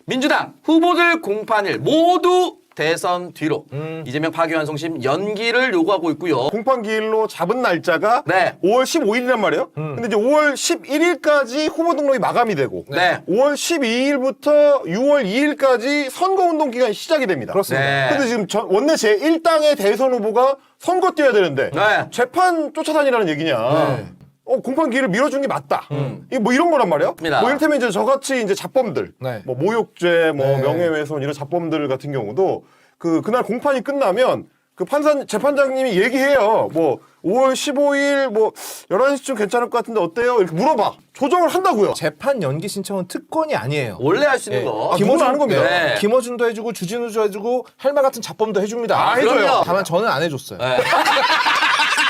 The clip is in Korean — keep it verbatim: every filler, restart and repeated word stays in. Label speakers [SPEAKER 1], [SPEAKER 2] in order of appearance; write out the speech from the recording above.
[SPEAKER 1] 민주당 후보들 공판일 모두 대선 뒤로
[SPEAKER 2] 음.
[SPEAKER 1] 이재명 파기환송심 연기를 요구하고 있고요.
[SPEAKER 3] 공판 기일로 잡은 날짜가
[SPEAKER 1] 네.
[SPEAKER 3] 오월 십오일이란 말이에요. 근데 이제 오월 십일일까지 후보 등록이 마감이 되고
[SPEAKER 1] 네.
[SPEAKER 3] 오월 십이일부터 유월 이일까지 선거운동 기간이 시작이 됩니다.
[SPEAKER 2] 그렇습니다.
[SPEAKER 1] 네.
[SPEAKER 3] 근데 지금 전- 원내 제일 당의 대선 후보가 선거 뛰어야 되는데
[SPEAKER 1] 네.
[SPEAKER 3] 재판 쫓아다니라는 얘기냐. 어, 공판 기일을 밀어준 게 맞다. 이게 뭐 이런 거란 말이에요.
[SPEAKER 1] 맞습니다.
[SPEAKER 3] 뭐 이를테면 이제 저같이 이제 자범들,
[SPEAKER 2] 네.
[SPEAKER 3] 뭐 모욕죄, 뭐
[SPEAKER 2] 네.
[SPEAKER 3] 명예훼손 이런 자범들 같은 경우도 그 그날 공판이 끝나면 그 판사 재판장님이 얘기해요. 뭐 오월 십오일 뭐 열한 시쯤 괜찮을 것 같은데 어때요? 이렇게 물어봐. 조정을 한다고요.
[SPEAKER 2] 재판 연기 신청은 특권이 아니에요.
[SPEAKER 1] 원래 할 수 있는
[SPEAKER 2] 예.
[SPEAKER 1] 거.
[SPEAKER 3] 아, 누구나 하는 겁니다.
[SPEAKER 1] 네.
[SPEAKER 2] 김어준도 해주고 주진우도 해주고 할 말 같은 자범도 해줍니다.
[SPEAKER 1] 아, 해줘요.
[SPEAKER 2] 다만 저는 안 해줬어요.
[SPEAKER 1] 네.